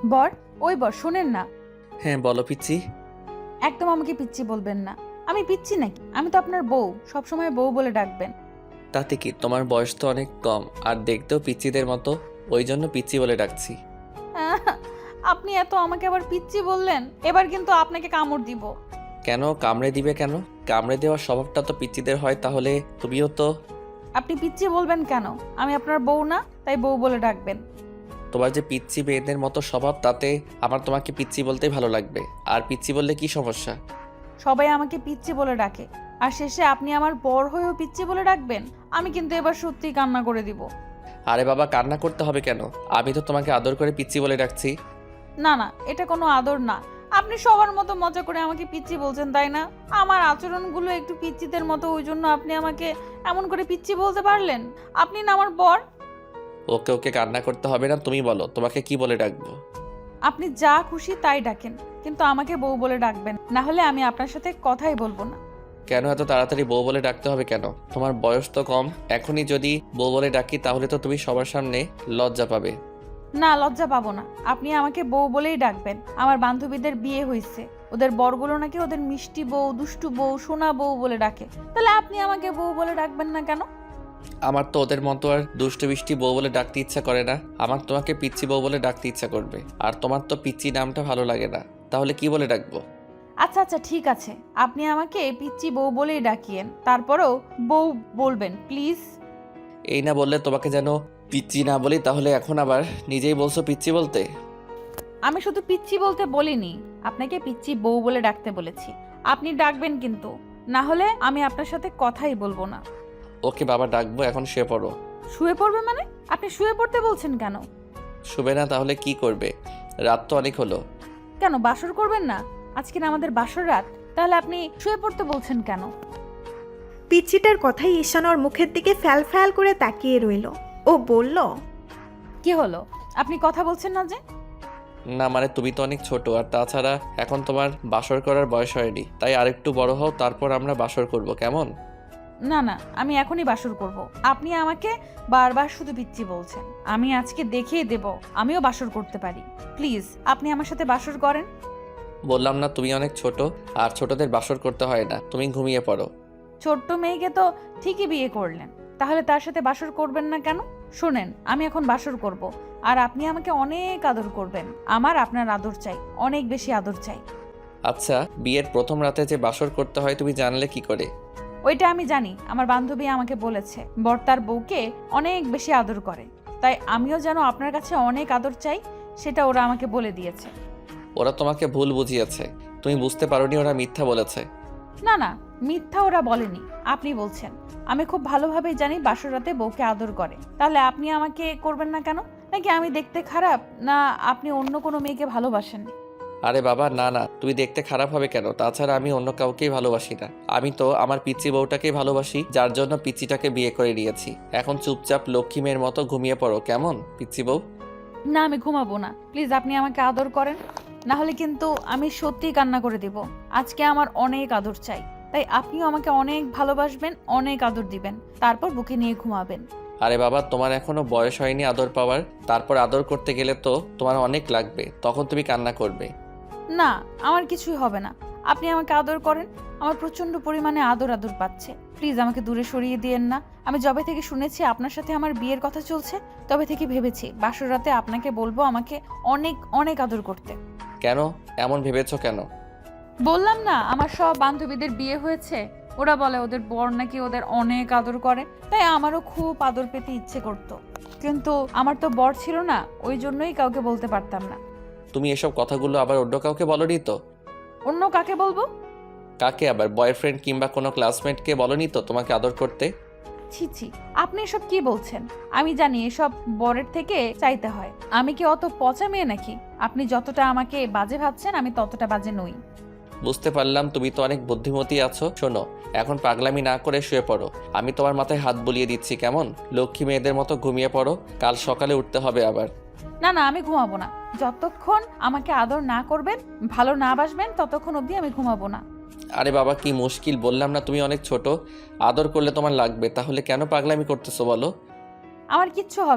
বর, ওই বর শোনেন না। হ্যাঁ বলো পিচ্ছি। একদম আমাকে পিচ্ছি বলবেন না। আমি পিচ্ছি নাকি? আমি তো আপনার বউ, সবসময় বউ বলে ডাকবেন। তাতে কি, তোমার বয়স তো অনেক কম আর দেখতেও পিচ্চিদের মতো, ওই জন্য পিচ্ছি বলে ডাকছি। আহ, আপনি এত আমাকে আবার পিচ্ছি বললেন, এবার কিন্তু আপনাকে কামড় দিব। কেন কামড়ে দিবে কেন? কামড়ে দেওয়ার স্বভাবটা তো পিচ্চিদের হয়, তাহলে তুমিও তো। আপনি পিচ্ছি বলবেন কেন? আমি আপনার বউ না, তাই বউ বলে ডাকবেন। তোমার যে পিচ্চি মেয়েদের মতো স্বভাব, তাতে আমার তোমাকে পিচ্চি বলতেই ভালো লাগবে। আর পিচ্চি বললে কি সমস্যা? সবাই আমাকে পিচ্ছি বলে ডাকে, আর শেষে আপনি আমার বর হয়েও পিচ্ছি বলে ডাকবেন? আমি কিন্তু এবার সত্যিই কান্না করে দিব। আরে বাবা, কান্না করতে হবে কেন? আমি তো তোমাকে আদর করে পিচ্চি বলে ডাকছি। না না, এটা কোনো আদর না। আপনি সবার মতো মজা করে আমাকে পিচ্ছি বলছেন, তাই না? আমার আচরণগুলো একটু পিচ্চিদের মতো, ওই জন্য আপনি আমাকে এমন করে পিচ্ছি বলতে পারলেন? আপনি না আমার বর। ওকে ওকে, কান্না করতে হবে না, তুমি বলো তোমাকে কি বলে ডাকবো। আপনি যা খুশি তাই ডাকেন, কিন্তু আমাকে বউ বলে ডাকবেন, না হলে আমি আপনার সাথে কথাই বলবো না। কেন এত তাড়াতাড়ি বউ বলে ডাকতে হবে কেন? তোমার বয়স তো কম, এখনই যদি বউ বলে ডাকি তাহলে তো তুমি সবার সামনে লজ্জা পাবে। না, লজ্জা পাবো না। আপনি আমাকে বউ বলেই ডাকবেন। আমার বান্ধবীদের বিয়ে হয়েছে, ওদের বরগুলো নাকি ওদের মিষ্টি বউ, দুষ্টু বউ, সোনা বউ বলে ডাকে। তাহলে আপনি আমাকে বউ বলে ডাকবেন না কেন? আমার তো ওদের মতো আর দুষ্টু মিষ্টি বউ বলে ডাকতে ইচ্ছা করে না, আমার তোমাকে পিচ্চি বউ বলে ডাকতে ইচ্ছা করবে। আর তোমার তো পিচ্চি নামটা ভালো লাগে না, তাহলে কি বলে ডাকবো? আচ্ছা আচ্ছা, ঠিক আছে, আপনি আমাকে পিচ্চি বউ বলেই ডাকিয়েন, তারপরেও বউ বলবেন প্লিজ। এই না বললে তোমাকে যেন পিচ্চি না বলি, তাহলে এখন আবার নিজেই বলছো পিচ্চি বলতে। আমি শুধু পিচ্চি বলতে বলিনি, আপনাকে পিচ্চি বউ বলে ডাকতে বলেছি। আপনি ডাকবেন কিন্তু, না হলে আমি আপনার সাথে কথাই বলবো না। ওকে বাবা, ডাকবো, এখন শুয়ে পড়ো। শুয়ে পড়বে মানে? আপনি শুয়ে পড়তে বলছেন কেন? শুবে না তাহলে কি করবে? রাত তো অনেক হলো। কেন বাসর করবেন না? আজকে না আমাদের বাসর রাত, তাহলে আপনি শুয়ে পড়তে বলছেন কেন? পিচ্চিটার কথাই ঈশান ওর মুখের দিকে ফ্যাল ফ্যাল করে তাকিয়ে রইল। ও বলল, কি হলো? আপনি কথা বলছেন না যে? না মানে তুমি তো অনেক ছোট, আর তাছাড়া এখন তোমার বাসর করার বয়স হয়নি, তাই আরেকটু বড় হও, তারপর আমরা বাসর করব, কেমন? না না, আমি এখনই বাসর করব। আপনি আমাকে বারবার শুধু পিচ্চি বলছেন। আমি আজকে দেখিয়ে দেব আমিও বাসর করতে পারি। প্লিজ আপনি আমার সাথে বাসর করেন। বললাম না তুমি অনেক ছোট, আর ছোটদের বাসর করতে হয় না, তুমি ঘুমিয়ে পড়ো। ছোট্ট মেয়েকে তো ঠিকই বিয়ে করলেন, তাহলে তার সাথে বাসর করবেন না কেন? শোনেন, আমি এখন বাসর করব, আর আপনি আমাকে অনেক আদর করবেন। আমার আপনার আদর চাই, অনেক বেশি আদর চাই। আচ্ছা, বিয়ের প্রথম রাতে যে বাসর করতে হয় তুমি জানলে কি করে? ওইটা আমি জানি, আমার বান্ধবী আমাকে বলেছে বর তার বউকে অনেক বেশি আদর করে, তাই আমিও যেন আপনার কাছে অনেক আদর চাই, সেটা ওরা আমাকে বলে দিয়েছে। ওরা তোমাকে ভুল বুঝিয়েছে, তুমি বুঝতে পারোনি ওরা মিথ্যা বলেছে। না না, মিথ্যা ওরা বলেনি, আপনি বলছেন। আমি খুব ভালোভাবেই জানি বাসর রাতে বউকে আদর করে, তাহলে আপনি আমাকে করবেন না কেন? নাকি আমি দেখতে খারাপ, না আপনি অন্য কোনো মেয়েকে ভালোবাসেন? আরে বাবা না না, তুমি দেখতে খারাপ হবে কেন? তাছাড়া আমি অন্য কাউকেই ভালোবাসি না, আমি তো আমার পিচ্চি বউটাকেই ভালোবাসি, যার জন্য পিচ্চিটাকে বিয়ে করে নিয়েছি। এখন চুপচাপ লক্ষ্মী মেয়ের মতো ঘুমিয়ে পড়ো, কেমন পিচ্চি বউ? না, আমি ঘুমাবো না। প্লিজ আপনি আমাকে আদর করেন, না হলে কিন্তু আমি সত্যিই কান্না করে দিব। আজকে আমার অনেক আদর চাই, তাই আপনিও আমাকে অনেক ভালোবাসবেন, অনেক আদর দিবেন, তারপর বুকে নিয়ে ঘুমাবেন। আরে বাবা, তোমার এখনো বয়স হয়নি আদর পাওয়ার, তারপর আদর করতে গেলে তো তোমার অনেক লাগবে, তখন তুমি কান্না করবে। না, আমার কিছুই হবে না। আপনি আমাকে আদর করেন, আমার প্রচন্ড পরিমাণে আদর আদর পাচ্ছে। প্লিজ আমাকে দূরে সরিয়ে দিয়েন না। আমি যবে থেকে শুনেছি আপনার সাথে আমার বিয়ের কথা চলছে, তবে থেকে ভেবেছি বাসর রাতে আপনাকে বলবো আমাকে অনেক অনেক আদর করতে। কেন এমন ভেবেছো কেন? বললাম না, আমার সব বান্ধবীদের বিয়ে হয়েছে, ওরা বলে ওদের বর নাকি ওদের অনেক আদর করে, তাই আমারও খুব আদর পেতে ইচ্ছে করতো, কিন্তু আমার তো বর ছিল না, ওই জন্যই কাউকে বলতে পারতাম না। তুমি এসব কথাগুলো আবার অন্য কাউকে বলনি তো? অন্য কাকে বলবো? কাকে আবার? বয়ফ্রেন্ড কিংবা কোনো ক্লাসমেটকে বলনি তো তোমাকে আদর করতে? ছি ছি, আপনি এসব কি বলছেন? আমি জানি এসব বরের থেকে চাইতে হয়। আমি কি অত পচা মেয়ে নাকি? আপনি যতটা আমাকে বাজে ভাবছেন, আমি ততটা বাজে নই। বুঝতে পারলাম, তুমি তো অনেক বুদ্ধিমতী আছো। শোনো, এখন পাগলামি না করে শুয়ে পড়ো, আমি তোমার মাথায় হাত বুলিয়ে দিচ্ছি, কেমন? লক্ষ্মী মেয়েদের মতো ঘুমিয়ে পড়ো, কাল সকালে উঠতে হবে আবার। না না, আমি ঘুমাবো না। যতক্ষণ আমাকে আদর না করবেন, ভালো না বাসবেন, ততক্ষণ অবধি আমি ঘুমাবো না। আরে বাবা, কি মুশকিল, বললাম না তুমি অনেক ছোট, আদর করলে তোমার লাগবে, তাহলে কেন পাগলামি করতেছো বলো? আমার কিচ্ছু হবে না,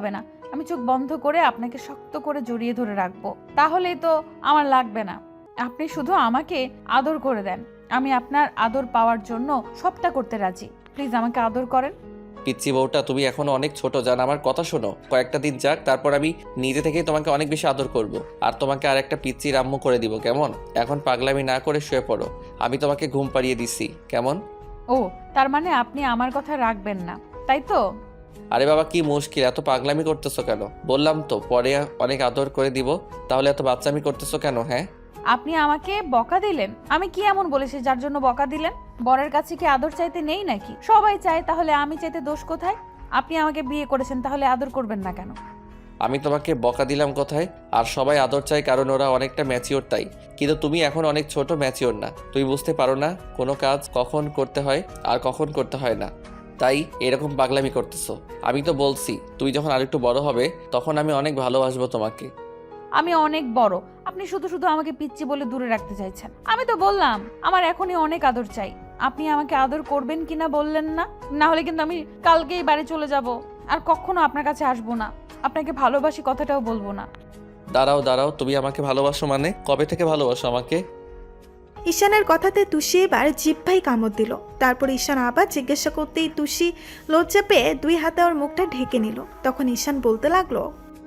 আমি চোখ বন্ধ করে আপনাকে শক্ত করে জড়িয়ে ধরে রাখবো। তাহলেই তো আমার লাগবে না। আপনি শুধু আমাকে আদর করে দেন। আমি আপনার আদর পাওয়ার জন্য সবটা করতে রাজি। প্লিজ আমাকে আদর করেন। পিচ্ছি বউটা, তুমি এখনো অনেক ছোট, জান। আমার কথা শোনো, কয়েকটা দিন যাক, তারপর আমি নিজে থেকেই তোমাকে অনেক বেশি আদর করব। আর তোমাকে আর একটা পিচ্চির আম্মু করে দিব, কেমন? এখন পাগলামি না করে শুয়ে পড়ো, আমি তোমাকে ঘুম পাড়িয়ে দিচ্ছি, কেমন? ও, তার মানে আপনি আমার কথা রাখবেন না, তাই তো? আরে বাবা, কি মুশকিল, এত পাগলামি করতেছো কেন? বললাম তো পরে অনেক আদর করে দিব, তাহলে এত বাচ্চামি করতেছো কেন? হ্যাঁ, আপনি আমাকে বকা দিলেন? আমি কি এমন বলেছি যার জন্য বকা দিলেন? বরের কাছে কি আদর চাইতে নেই নাকি? সবাই চায়, তাহলে আমি চাইতে দোষ কোথায়? আপনি আমাকে বিয়ে করেছেন, তাহলে আদর করবেন না কেন? আমি তোমাকে বকা দিলাম কোথায়? আর সবাই আদর চায় কারণ ওরা অনেকটা ম্যাচিওর, তাই। কিন্তু তুমি এখন অনেক ছোট, ম্যাচিওর না। তুমি বুঝতে পারো না কোনো কাজ কখন করতে হয় আর কখন করতে হয় না, তাই এরকম পাগলামি করতেছো। আমি তো বলছি তুমি যখন আরেকটু বড় হবে তখন আমি অনেক ভালোবাসবো তোমাকে। আমি অনেক বড়, আপনি শুধু শুধু আমাকে পিচ্চি বলে দূরে রাখতে চাইছেন। আমি তো বললাম আমার এখনই অনেক আদর চাই। আপনি আমাকে আদর করবেন কিনা বললেন না? না হলে কিন্তু আমি কালকেই বাড়ি চলে যাব, আর কখনো আপনার কাছে আসবো না। আপনাকে ভালোবাসি কথাটাও বলবো না। দাঁড়াও দাঁড়াও, তুমি আমাকে ভালোবাসো মানে? কবে থেকে ভালোবাসো আমাকে? ঈশানের কথাতে তুষি এবার জিহ্বায় কামড় দিল। তারপর ঈশান আবার জিজ্ঞাসা করতেই তুষি লজ্জা পেয়ে 2 হাতে ওর মুখটা ঢেকে নিল। তখন ঈশান বলতে লাগলো,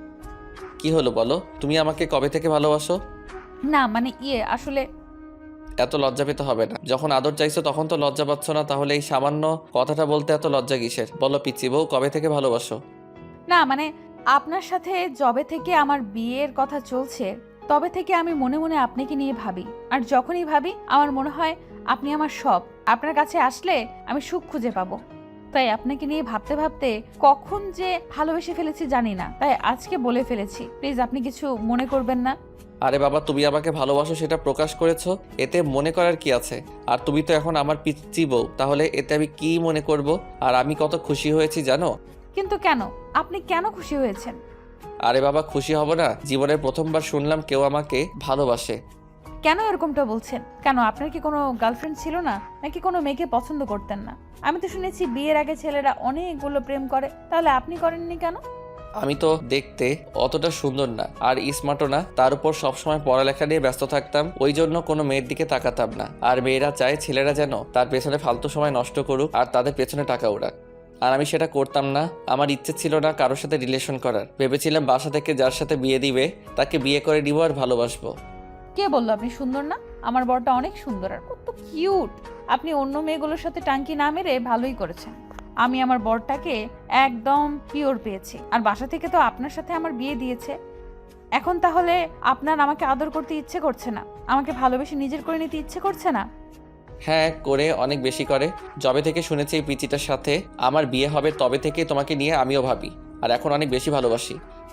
কি হলো বলো, তুমি আমাকে কবে থেকে ভালোবাসো? না মানে আসলে এত লজ্জা পেতে হবে না। যখন আদর চাইছো তখন তো লজ্জা পাচ্ছ না, তাহলে এই সামান্য কথাটা বলতে এত লজ্জা কিসের? বলো পিচ্চি বউ, কবে থেকে ভালোবাসো? না মানে আপনার সাথে যবে থেকে আমার বিয়ের কথা চলছে তবে থেকে আমি মনে মনে আপনাকে নিয়ে ভাবি। আর যখনই ভাবি আমার মনে হয় আপনি আমার সব। আপনার কাছে আসলে আমি সুখ খুঁজে পাবো। তাই আপনাকে নিয়ে ভাবতে ভাবতে কখন যে ভালোবেসে ফেলেছি জানি না, তাই আজকে বলে ফেলেছি। প্লিজ আপনি কিছু মনে করবেন না। আরে বাবা, তুমি আমাকে ভালোবাসো সেটা প্রকাশ করেছো, এতে মনে করার কি আছে? আর তুমি তো এখন আমার পিচ্চি বউ, তাহলে এতে আমি কি মনে করব? আর আমি কত খুশি হয়েছি জানো? কিন্তু কেন? আপনি কেন খুশি হয়েছেন? আরে বাবা, খুশি হব না? জীবনের প্রথমবার শুনলাম কেউ আমাকে ভালোবাসে। কেন এরকমটা বলছেন? কেন আপনার কি কোনো গার্লফ্রেন্ড ছিল না, নাকি কোনো মেয়েকে পছন্দ করতেন না? আমি তো শুনেছি বিয়ের আগে ছেলেরা অনেকগুলো প্রেম করে, তাহলে আপনি করেননি কেন? আমি তো দেখতে অতটা সুন্দর না আর স্মার্টও না, তার উপর সবসময় পড়ালেখা নিয়ে ব্যস্ত থাকতাম, ওই জন্য কোনো মেয়ের দিকে তাকাতাম না। আর মেয়েরা চায় ছেলেরা যেন তার পেছনে ফালতু সময় নষ্ট করুক আর তাদের পেছনে টাকা উড়াক, আর আমি সেটা করতাম না। আমার ইচ্ছে ছিল না কারোর সাথে রিলেশন করার। ভেবেছিলাম বাসা থেকে যার সাথে বিয়ে দিবে তাকে বিয়ে করে নিব আর ভালোবাসবো। কে বললো আপনি সুন্দর না? আমার বরটা অনেক সুন্দর আর কত কিউট। আপনি অন্য মেয়েগুলোর সাথে টাঙ্কি না মেরে ভালোই করেছেন। আমি আমার বরটাকে একদম পিওর পেয়েছি, আর বাসা থেকে তো আপনার সাথে আমার বিয়ে দিয়েছে। এখন তাহলে আপনার আমাকে আদর করতে ইচ্ছে করছে না? আমাকে ভালোবেসে নিজের করে নিতে ইচ্ছে করছে না? হ্যাঁ, করে, অনেক বেশি করে। যবে থেকে শুনেছি এই পিচিটার সাথে আমার বিয়ে হবে তবে থেকে তোমাকে নিয়ে আমিও ভাবি, আর এখন অনেক বেশি ভালোবাসি।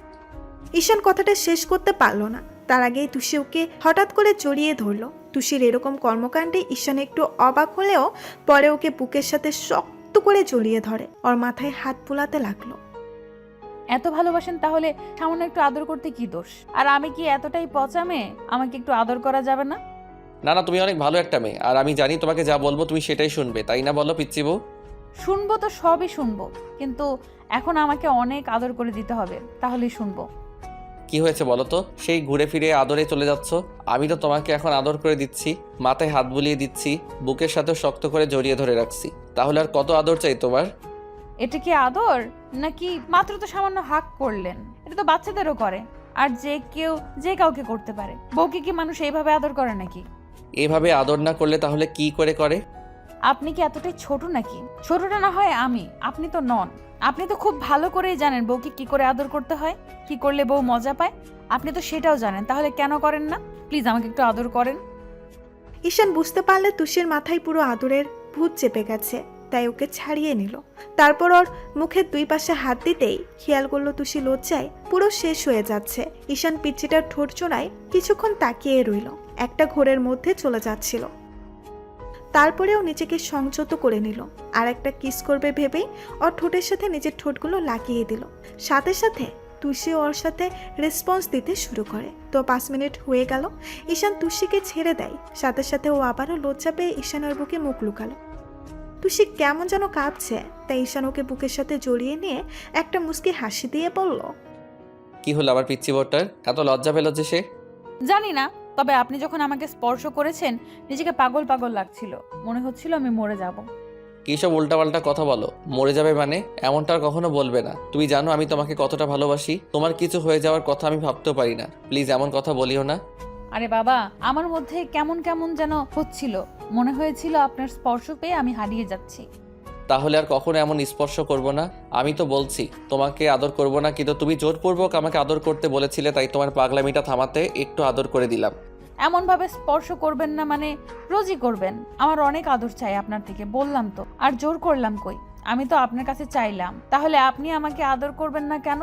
ঈশান কথাটা শেষ করতে পারল না। তার আগেই তুষি ওকে হঠাৎ করে জড়িয়ে ধরলো। তুষির এরকম কর্মকাণ্ডে ঈশান একটু অবাক হলেও পরে ওকে বুকের সাথে শক্ত করে জড়িয়ে ধরে, ওর মাথায় হাত বুলাতে লাগলো। এত ভালোবাসেন তাহলে সামান্য একটু আদর করতে কি দোষ? আর আমি কি এতটাই পচা মেয়ে? আমাকে একটু আদর করা যাবে না? না না, তুমি অনেক ভালো একটা মেয়ে, আর আমি জানি তোমাকে যা বলবো তুমি সেটাই শুনবে, তাই না বলো পিচ্চি বউ? শুনবো তো সবই শুনবো, কিন্তু এখন আমাকে অনেক আদর করে দিতে হবে, তাহলেই শুনবো। কি হয়েছে বলো তো? সেই ঘুরে ফিরে আদরে চলে যাচ্ছ। আমি তো তোমাকে এখন আদর করে দিচ্ছি, মাথায় হাত বুলিয়ে দিচ্ছি, বুকের সাথে শক্ত করে জড়িয়ে ধরে রাখছি, তাহলে আর কত আদর চাই তোমার? এটা কি আদর? নাকি মাত্র তো সামান্য হাক করলেন? এটা তো বাচ্চাদেরও করে, আর যে কাউকে করতে পারে। বউকে কি মানুষ এইভাবে আদর করে নাকি? এভাবে আদর না করলে তাহলে কি করে করে? আপনি কি এতটাই ছোট নাকি? ছোটটা না হয় আমি, আপনি তো নন। আপনি তো খুব ভালো করেই জানেন বউকে কি করে আদর করতে হয়, কি করলে বউ মজা পায়। আপনি তো সেটাও জানেন, তাহলে কেন করেন না? প্লিজ আমাকে একটু আদর করেন। ঈশান বুঝতে পারলে তুষির মাথায় পুরো আদরের ভূত চেপে গেছে, তাই ওকে ছাড়িয়ে নিল। তারপর ওর মুখের 2 পাশে হাত দিতেই খেয়াল করলো তুষি লজ্জায় পুরো শেষ হয়ে যাচ্ছে। ঈশান পিচ্চিটার ঠোঁট জোড়ায় কিছুক্ষণ তাকিয়ে রইল, একটা ঘোরের মধ্যে চলে যাচ্ছিল। তারপরেও নিজেকে সংযত করে নিল, আর একটা কিস করবে ভেবেই ওর ঠোঁটের সাথে নিজের ঠোঁটগুলো লাগিয়ে দিল। সাথে সাথে তুষি ওর সাথে রেসপন্স দিতে শুরু করে। তো 5 মিনিট হয়ে গেল, ঈশান তুষিকে ছেড়ে দেয়। সাথে সাথে ও আবারও লজ্জা পেয়ে ঈশানের বুকে মুখ লুকালো। তুষি কেমন যেন কাঁপছে, তাই ঈশান ওকে বুকের সাথে জড়িয়ে নিয়ে একটা মুচকি হাসি দিয়ে বলল, কি হলো আমার পিচ্চি বউটার? এত লজ্জা পেল যে সে? জানি না, তবে আপনি যখন আমাকে স্পর্শ করেছেন নিজেকে পাগল পাগল লাগছিল, মনে হচ্ছিল আমি মরে যাব। কী সব উল্টাপাল্টা কথা বলো? মরে যাবে মানে? এমনটা আর কখনো বলবে না। তুমি জানো আমি তোমাকে কতটা ভালোবাসি। তোমার কিছু হয়ে যাওয়ার কথা আমি ভাবতেও পারি না। প্লিজ এমন কথা বলিও না। আরে বাবা, আমার মধ্যে কেমন কেমন যেন হচ্ছিল, মনে হয়েছিল আপনার স্পর্শ পেয়ে আমি হারিয়ে যাচ্ছি। তাহলে আর কখনো এমন স্পর্শ করব না। আমি তো বলছি তোমাকে আদর করব না, কিন্তু তুমি জোরপূর্বক আমাকে আদর করতে বলেছিলে, তাই তোমার পাগলামিটা থামাতে একটু আদর করে দিলাম। এমনভাবে স্পর্শ করবেন না মানে রোজই করবেন। আমার অনেক আদর চাই আপনার থেকে, বললাম তো। আর জোর করলাম কই? আমি তো আপনার কাছে চাইলাম, তাহলে আপনি আমাকে আদর করবেন না কেন?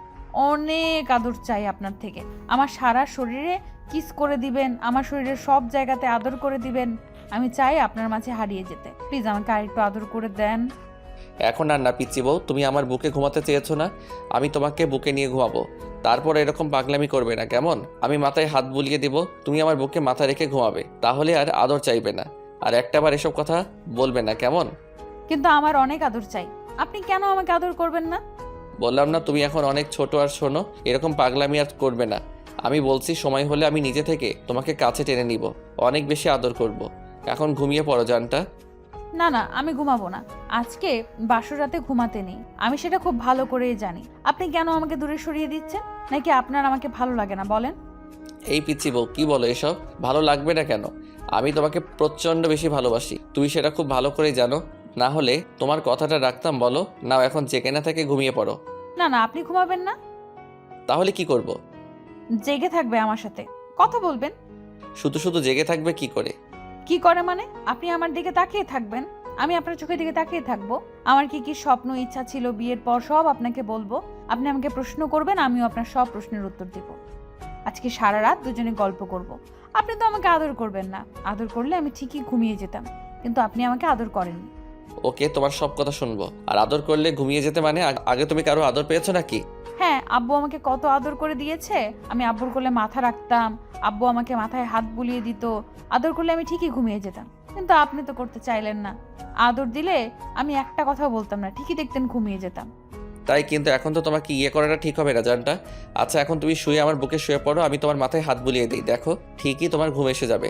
অনেক আদর চাই আপনার থেকে। আমার সারা শরীরে কিস করে দিবেন, আমার শরীরের সব জায়গাতে আদর করে দিবেন। আমি চাই আপনার মাঝে হারিয়ে যেতে। প্লিজ আমাকে আরেকটু আদর করে দেন। এখন আর না পিচ্চি বউ, তুমি আমার বুকে ঘুমাতে চেয়েছো না? আমি তোমাকে বুকে নিয়ে ঘুমাবো। তারপর এরকম পাগলামি করবে না, কেমন? আমি মাথায় হাত বুলিয়ে দিব, তুমি আমার বুকে মাথা রেখে ঘুমাবে। তাহলে আর আদর চাইবে না, আর একটাবার এসব কথা বলবে না, কেমন? কিন্তু আমার অনেক আদর চাই, আপনি কেন আমাকে আদর করবেন না? বললাম না তুমি এখন অনেক ছোট, আর শোনো, এরকম পাগলামি আর করবে না। আমি বলছি সময় হলে আমি নিজে থেকে তোমাকে কাছে টেনে নিব, অনেক বেশি আদর করব। এখন ঘুমিয়ে পড়ো জানটা। না না, আমি ঘুমাবো না। আজকে বাসর রাতে ঘুমাতে নেই, আমি সেটা খুব ভালো করেই জানি। আপনি কেন আমাকে দূরে সরিয়ে দিচ্ছেন? নাকি আপনার আমাকে ভালো লাগে না বলেন? এই পিচ্চি বউ, কি বলো এসব? ভালো লাগবে না কেন? আমি তোমাকে প্রচণ্ড বেশি ভালোবাসি, তুমি সেটা খুব ভালো করেই জানো। না হলে তোমার কথাটা রাখতাম? বলো নাও, এখন জেগে না থেকে ঘুমিয়ে পড়ো। না না, আপনি ঘুমাবেন না। তাহলে কি করব? জেগে থাকবে আমার সাথে, কথা বলবেন। শুধু শুধু জেগে থাকবে কি করে? কি করে মানে? আপনি আমার দিকে তাকিয়ে থাকবেন, আমি আপনার চোখের দিকে তাকিয়ে থাকবো। আমার কি কি স্বপ্ন ইচ্ছা ছিল বিয়ের পর সব আপনাকে বলবো। আপনি আমাকে প্রশ্ন করবেন, আমিও আপনার সব প্রশ্নের উত্তর দিব। আজকে সারা রাত দুজনে গল্প করব। আপনি তো আমাকে আদর করবেন না। আদর করলে আমি ঠিকই ঘুমিয়ে যেতাম, কিন্তু আপনি আমাকে আদর করেননি। ওকে, তোমার সব কথা শুনবো। আর আদর করলে ঘুমিয়ে যেতে মানে? আগে তুমি কারো আদর পেয়েছো নাকি? হ্যাঁ, আব্বু আমাকে কত আদর করে দিয়েছে। আমি আব্বুর কোলে মাথা রাখতাম, আব্বু আমাকে মাথায় হাত বুলিয়ে দিত। আদর করলে আমি ঠিকই ঘুমিয়ে যেতাম, কিন্তু আপনি তো করতে চাইলেন না। আদর দিলে আমি একটা কথাও বলতাম না, ঠিকই দেখতেন ঘুমিয়ে যেতাম। তাই, কিন্তু এখন তো তোমাকে ইয়ে করাটা ঠিক হবে না জানটা। আচ্ছা, এখন তুমি শুয়ে আমার বুকে শুয়ে পড়ো, আমি তোমার মাথায় হাত বুলিয়ে দিই, দেখো ঠিকই তোমার ঘুম এসে যাবে।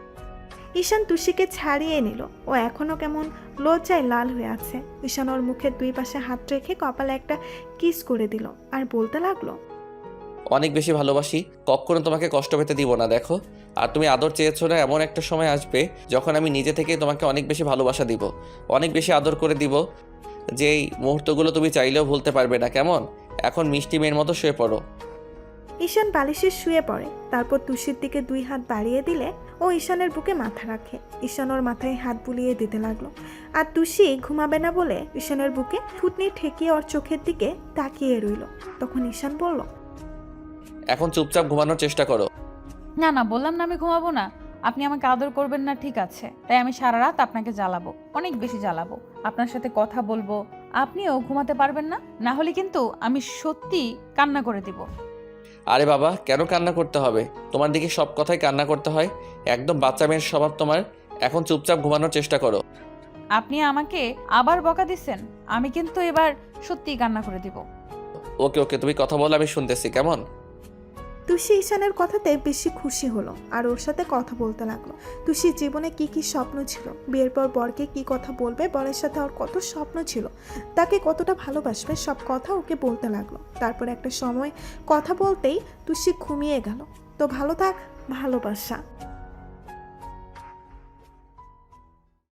ঈশান তুষিকে ছাড়িয়ে নিল। ও এখনো কেমন লজ্জায় লাল হয়ে আছে। ঈশান ওর মুখের দুই পাশে হাত রেখে কপালে একটা কিস করে দিল আর বলতে লাগলো, অনেক বেশি ভালোবাসি, কখনো তোমাকে কষ্ট পেতে দিব না, দেখো। আর তুমি আদর চেয়েছো না, এমন একটা সময় আসবে যখন আমি নিজে থেকেই তোমাকে অনেক বেশি ভালোবাসা দিব, অনেক বেশি আদর করে দিব, যেই মুহূর্তগুলো তুমি চাইলেও ভুলতে পারবে না, কেমন? এখন মিষ্টি মেয়ের মতো শুয়ে পড়ো। ঈশান বালিশে শুয়ে পড়ে। তারপর তুষির দিকে দুই হাত বাড়িয়ে দিলে ও ঈশানের বুকে মাথা রাখে। ঈশান ওর মাথায় হাত বুলিয়ে দিতে লাগলো। আর তুষি ঘুমাবে না বলে ঈশানের বুকে থুতনি ঠেকিয়ে ওর চোখের দিকে তাকিয়ে রইল। তখন ঈশান বলল, এখন চুপচাপ ঘুমানোর চেষ্টা করো। না না, বললাম না আমি ঘুমাবো না। আপনি আমাকে আদর করবেন না, ঠিক আছে, তাই আমি সারা রাত আপনাকে জ্বালাবো, অনেক বেশি জ্বালাবো। আপনার সাথে কথা বলবো, আপনিও ঘুমাতে পারবেন না। না হলে কিন্তু আমি সত্যি কান্না করে দিব। আরে বাবা, কেন কান্না করতে হবে? তোমার দিকে সব কথাই কান্না করতে হয়, একদম বাচ্চা মেয়ের স্বভাব তোমার। এখন চুপচাপ ঘুমানোর চেষ্টা করো। আপনি আমাকে আবার বকা দিচ্ছেন, আমি কিন্তু এবার সত্যিই কান্না করে দিব। ওকে ওকে, তুমি কথা বলো, আমি শুনতেছি, কেমন? তুষি ঈশানের কথাতে বেশি খুশি হলো আর ওর সাথে কথা বলতে লাগলো। তুষির জীবনে কি কি স্বপ্ন ছিল, বিয়ের পর বরকে কি কথা বলবে, বরের সাথে ওর কত স্বপ্ন ছিল, তাকে কতটা ভালোবাসবে, সব কথা ওকে বলতে লাগলো। তারপর একটা সময় কথা বলতেই তুষি ঘুমিয়ে গেল। তো ভালো থাক, ভালোবাসা।